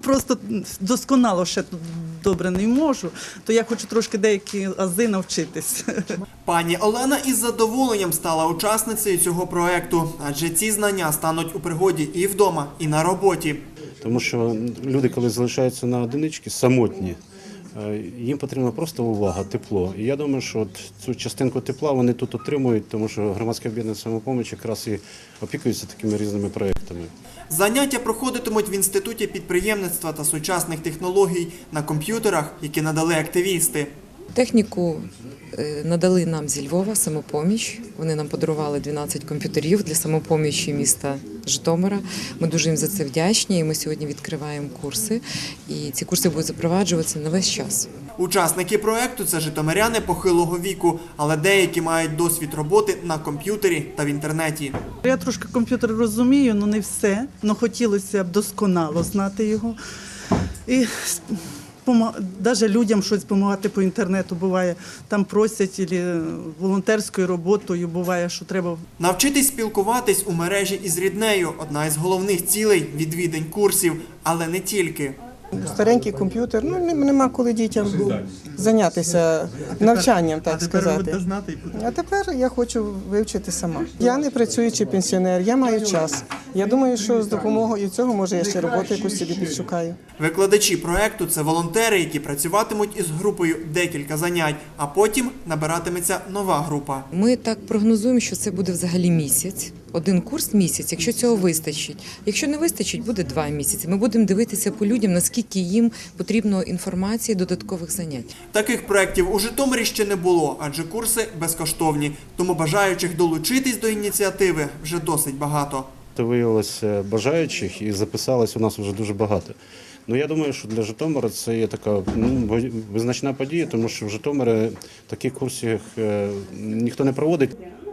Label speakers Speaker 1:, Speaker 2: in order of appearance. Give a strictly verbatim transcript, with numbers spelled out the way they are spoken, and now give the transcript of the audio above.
Speaker 1: просто досконало ще тут добре не можу, то я хочу трошки деякі ази навчитись.
Speaker 2: Пані Олена із задоволенням стала учасницею цього проекту, адже ці знання стануть у пригоді і вдома, і на роботі.
Speaker 3: Тому що люди, коли залишаються на одиничці, самотні, їм потрібна просто увага, тепло. І я думаю, що от цю частинку тепла вони тут отримують, тому що громадське об'єднання «Самопоміч» якраз і опікується такими різними проєктами.
Speaker 2: Заняття проходитимуть в Інституті підприємництва та сучасних технологій на комп'ютерах, які надали активісти.
Speaker 4: Техніку надали нам зі Львова «Самопоміч». Вони нам подарували дванадцять комп'ютерів для самопомічі міста Житомира. Ми дуже їм за це вдячні. І ми сьогодні відкриваємо курси. І ці курси будуть запроваджуватися на весь час.
Speaker 2: Учасники проекту – це житомиряни похилого віку, але деякі мають досвід роботи на комп'ютері та в інтернеті.
Speaker 1: Я трошки комп'ютер розумію, але не все. Але хотілося б досконало знати його. І навіть людям щось допомагати по інтернету буває. Там просять або волонтерською роботою, буває, що треба.
Speaker 2: Навчитись спілкуватись у мережі із ріднею – одна із головних цілей відвідань курсів, але не тільки.
Speaker 5: Старенький комп'ютер, ну нема коли дітям зайнятися навчанням, так сказати. А тепер я хочу вивчити сама. Я не працюючий пенсіонер, я маю час. Я думаю, що з допомогою цього, може, я ще роботу якусь собі підшукаю.
Speaker 2: Викладачі проекту – це волонтери, які працюватимуть із групою декілька занять, а потім набиратиметься нова група.
Speaker 4: Ми так прогнозуємо, що це буде взагалі місяць. Один курс місяць, якщо цього вистачить. Якщо не вистачить, буде два місяці. Ми будемо дивитися по людям, наскільки їм потрібно інформації, додаткових занять.
Speaker 2: Таких проєктів у Житомирі ще не було, адже курси безкоштовні. Тому бажаючих долучитись до ініціативи вже досить багато.
Speaker 3: Виявилося бажаючих і записалось у нас вже дуже багато. Ну, я думаю, що для Житомира це є така ну, визначна подія, тому що в Житомирі таких курсів ніхто не проводить.